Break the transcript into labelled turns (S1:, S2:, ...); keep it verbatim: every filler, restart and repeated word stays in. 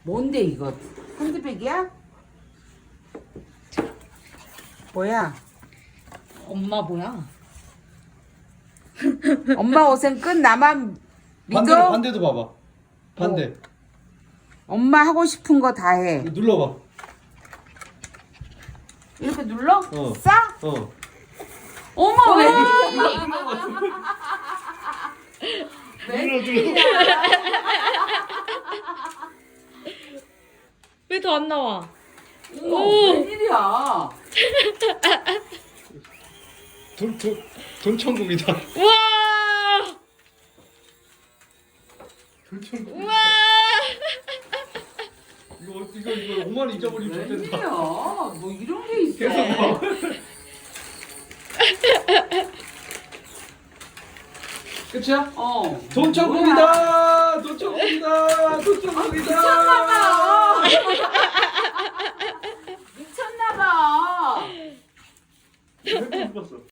S1: 뭔데 이거? 핸드백이야? 뭐야?
S2: 엄마 뭐야?
S1: 엄마 옷은 끝 나만
S3: 반대로
S1: 믿어?
S3: 반대도 봐봐. 반대.
S1: 엄마 하고 싶은 거 다 해.
S3: 눌러봐.
S1: 이렇게 눌러?
S3: 어.
S1: 싸?
S3: 어.
S1: 어머 왜?
S3: 눌러 눌러.
S2: 왜 더 안 나와?
S1: 어머 웬일이야?
S3: 돈돈 돈천국이다.
S2: 우와!
S3: 돈천국.
S2: 우와!
S3: 이거 이거 이거 오만 원 잊어버리면
S1: 웬일이야?
S3: 좋겠다.
S1: 뭐 이런 게 있어?
S3: 계속 봐. 끝이야?
S1: 어.
S3: 돈천국이다. 돈천국이다. 돈천국이다.
S1: 미쳤나봐. 미쳤나봐.
S3: 왜 그랬어?